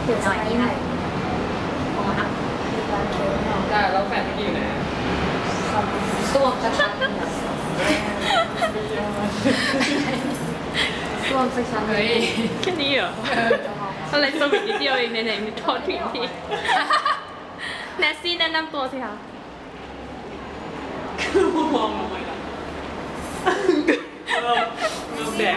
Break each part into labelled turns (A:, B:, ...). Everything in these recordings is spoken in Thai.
A: เดี๋ยวหน่อยนี่นะอ๋อครับ
B: ได้แล้วแฟนพี่อยู่ไหน
A: ส้วมสักชั้นส้วมสักชั้นเลย
C: แค่นี้เหรออะไรสวิตนิดเดียวเองไหนๆมีทอดผิดทีแนสซี่แนะนำตัวสิคะ
B: คือมองลงไปแล้วเริ่มแดก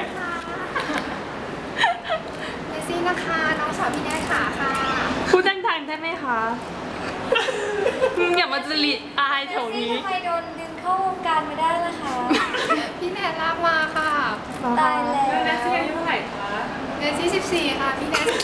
D: เนซี่นะคะน้องสาวพี่แนทขาค่ะ
C: พูดดังๆได้ไหมคะอย่ามาจริตอายแถวนี้
A: ทำไมโดนดึงเข้าวงการมาได้ล่ะคะ
D: พี่แนทลากมาค่ะ
A: ตายแล้ว
B: แนสซี่อายุเท่าไหร่คะ
D: เนซี่14ค่ะพี่แนท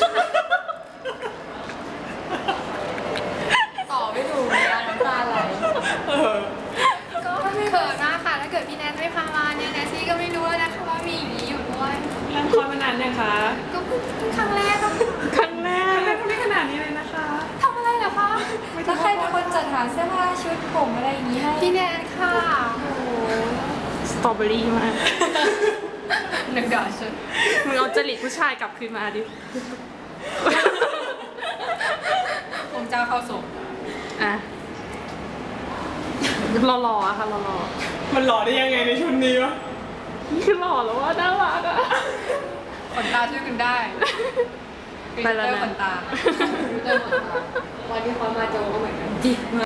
D: ต่อไม่ถูกเลยน้ำตาไหลก็เขินมากค่ะถ้าเกิดพี่แนทไม่พามาเนี่ยเนซี่ก็ไม่รู้แล้วนะคะว่ามีอย่างนี้อยู่ด้วย
B: เริ่มคอยมานานยังคะ
D: ก็เพิ่งครั้งแรกก็
C: ครั้งแรก
B: ไม่ขนาดนี้เลยนะคะ
D: ทำอะไรเหรอคะ
A: แล้วใครเป็นคนจัดหาเสื้อผ้าชุดผมอะไรอย่างนี้ให้
D: พี่แนทค่ะโอ้โห
C: สตรอเบอรี่มาก
D: หนึ่งดอกชุด
C: มึงเอาจริตผู้ชายกลับคืนมาดิ
D: ผมเจ้าเข้าส่ง
C: อ่ะหล่อๆอะค่ะหล่อ
B: มันหล่อได้ยังไงในชุดนี้วะ
C: ๆนี่คือหล่อแล้วว่าน่ารักอะ
D: ขนตาช่วยกันได้
C: ไปแล้วนะ
D: ขนตา
A: วันที่เขามาโจก็เหมือนกันจริง